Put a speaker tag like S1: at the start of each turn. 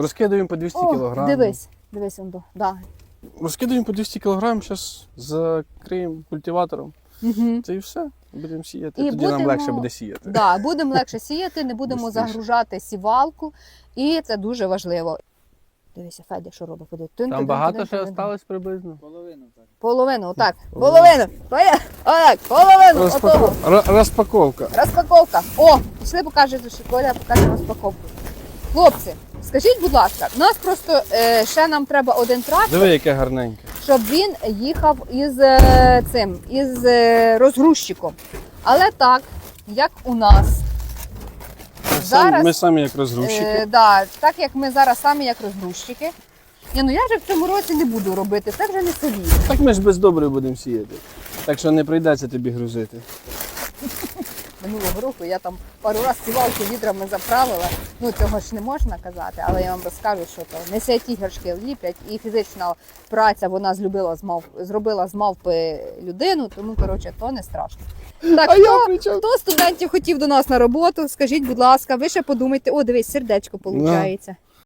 S1: Розкидаємо по 200 кг.
S2: Дивись, он, да.
S1: Розкидаємо по 200 кг, зараз закриємо культиватором.
S2: Угу.
S1: Це і все. Будемо сіяти.
S2: І
S1: Тоді нам
S2: будемо-
S1: легше буде сіяти.
S2: Да, будемо легше сіяти, не будемо
S1: Бистріше.
S2: загружати сівалку, і це дуже важливо. Дивися, Федя, що робить? Ходи.
S1: Там багато ще залишилось приблизно.
S2: Половину, отак. Половину. Отак, половину. Отого.
S1: Розпаковка.
S2: Розпаковка. О, пішли покажете, що Коля покаже розпаковку. Хлопці, скажіть, будь ласка, у нас просто ще нам треба один трактор,
S1: Диви, яке гарненьке.
S2: щоб він їхав із розгрузчиком. Але так, як у нас. Зараз-
S1: Ми самі як розгрузчики.
S2: Да, так як ми зараз самі як розгрузчики. Я вже в цьому році не буду робити, це вже не солідно.
S1: Так ми ж без добрив будемо сіяти. Так що не прийдеться тобі грузити.
S2: Минулого року я там пару разів сівалки відрами заправила. Ну цього ж не можна казати, але я вам розкажу, що то не святі горшки ліплять, і фізична праця вона зробила з мавпи людину, тому коротше то не страшно. Так,
S1: А я при чому?
S2: хто студентів хотів до нас на роботу, скажіть, будь ласка, ви ще подумайте, о, дивись, сердечко виходить.